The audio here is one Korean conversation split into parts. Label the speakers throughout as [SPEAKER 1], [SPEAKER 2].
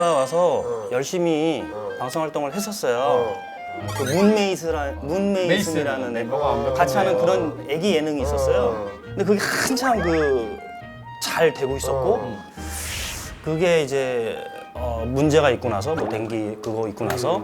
[SPEAKER 1] 와서 열심히 방송 활동을 했었어요. 그 문메이슨이라는 애 같이 하는 그런 애기 예능이 있었어요. 근데 그게 한참 잘 되고 있었고 그게 이제 문제가 있고 나서 뭐 dengue 그거 있고 나서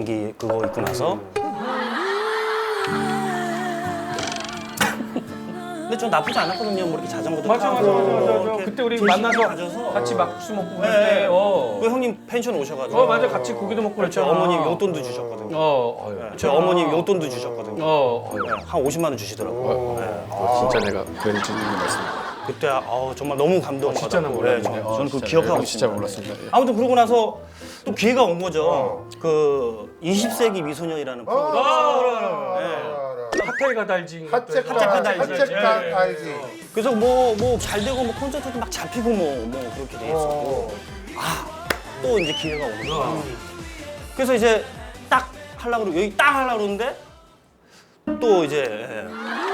[SPEAKER 1] 근데 좀 나쁘지 않았거든요. 뭐 이렇게 자전거도 타고
[SPEAKER 2] 맞아. 그때 우리 만나서
[SPEAKER 1] 가져서
[SPEAKER 2] 같이 막국수 먹고 그럴
[SPEAKER 1] 네.
[SPEAKER 2] 때.
[SPEAKER 1] 그 형님 펜션 오셔가지고
[SPEAKER 2] 맞아. 같이 고기도 먹고
[SPEAKER 1] 그렇죠.
[SPEAKER 2] 그랬잖아.
[SPEAKER 1] 어머님 용돈도 주셨거든요. 저 어머님 용돈도 주셨거든요. 한 50만 원 주시더라고요. 네.
[SPEAKER 2] 진짜 내가 그런 질문을 말씀드렸어요.
[SPEAKER 1] 그때 정말 너무 감동받았고
[SPEAKER 2] 진짜 난 몰랐는데.
[SPEAKER 1] 저는 그거 기억하고 있습니다.
[SPEAKER 2] 진짜 몰랐습니다.
[SPEAKER 1] 아무튼 그러고 나서 또 기회가 온 거죠. 그 20세기 미소년이라는 프로그램.
[SPEAKER 2] 핫텔가 달지.
[SPEAKER 1] 핫책한
[SPEAKER 3] 알지.
[SPEAKER 1] 그래서 뭐 잘 되고 뭐 콘서트도 막 잡히고 뭐 그렇게 돼 있었고 또 이제 기회가 오는 거야. 그래서 이제 딱 하려고 그러고 여기 딱 하려고 그러는데 또 이제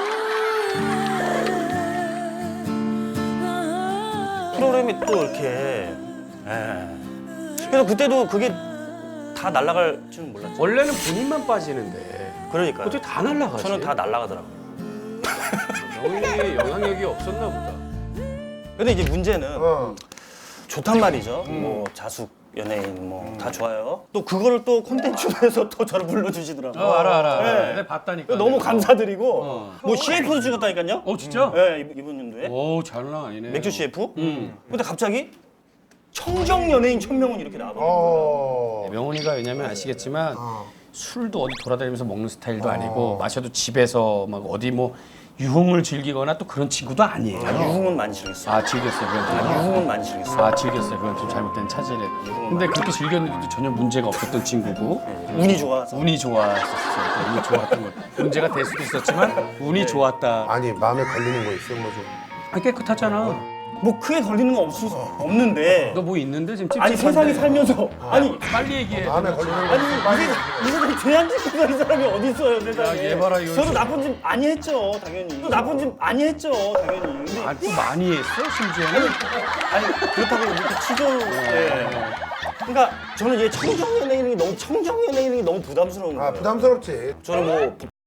[SPEAKER 1] 프로그램이 또 이렇게 그래서 그때도 그게 다 날아갈 줄은 몰랐죠.
[SPEAKER 2] 원래는 본인만 빠지는데
[SPEAKER 1] 그러니까요.
[SPEAKER 2] 어떻게 다 날라가지?
[SPEAKER 1] 저는 다 날아가더라고요.
[SPEAKER 2] 영희의 영향력이 없었나 보다.
[SPEAKER 1] 근데 이제 문제는 좋단 말이죠. 뭐 자숙 연예인 뭐 다 좋아요. 또 그거를 또 콘텐츠로 해서 또 저를 불러주시더라고요.
[SPEAKER 2] 알아.
[SPEAKER 1] 네.
[SPEAKER 2] 내가 봤다니까.
[SPEAKER 1] 너무 감사드리고 뭐 CF도 찍었다니까요.
[SPEAKER 2] 진짜?
[SPEAKER 1] 네, 이번 연도에
[SPEAKER 2] 오, 장난 아니네.
[SPEAKER 1] 맥주 CF. 근데 갑자기 청정 연예인 천명은 이렇게 나와버린
[SPEAKER 2] 명훈이가 왜냐면 아시겠지만 술도 어디 돌아다니면서 먹는 스타일도 아니고 마셔도 집에서 막 어디 뭐 유흥을 즐기거나 또 그런 친구도 아니에요.
[SPEAKER 1] 유흥은 많이 즐겼어요.
[SPEAKER 2] 즐겼어요. 그건 좀.
[SPEAKER 1] 유흥은 많이 즐겼어요.
[SPEAKER 2] 즐겼어요. 그건 좀 잘못된 차질에. 근데 그렇게 즐겼는데도 전혀 문제가 없었던 친구고
[SPEAKER 1] 운이 좋아서.
[SPEAKER 2] 운이 좋았었어요. 운이 좋았던 거. 문제가 될 수도 있었지만 운이 좋았다.
[SPEAKER 3] 아니 마음에 걸리는 거 있어 뭐 좀.
[SPEAKER 2] 깨끗하잖아.
[SPEAKER 1] 뭐 크게 걸리는 건 없는데.
[SPEAKER 2] 너 뭐 있는데 지금 찝찝한데.
[SPEAKER 1] 아니 세상에 살면서 아니
[SPEAKER 2] 빨리 얘기해.
[SPEAKER 3] 마음에 걸리는 거.
[SPEAKER 1] 아니 이 사람이 죄안 짓고 사는 사람이 어디 있어요 세상에.
[SPEAKER 2] 얘 봐라, 이거
[SPEAKER 1] 저도
[SPEAKER 2] 진짜.
[SPEAKER 1] 나쁜 짓 많이 했죠 당연히. 또 나쁜 짓 많이 했죠 당연히. 근데
[SPEAKER 2] 또 많이 했어 심지어는.
[SPEAKER 1] 아니 그렇다고 이렇게 치졸. 그러니까 저는 얘 청정 연예인이 너무 부담스러운 거예요.
[SPEAKER 3] 부담스럽지.
[SPEAKER 1] 저는 뭐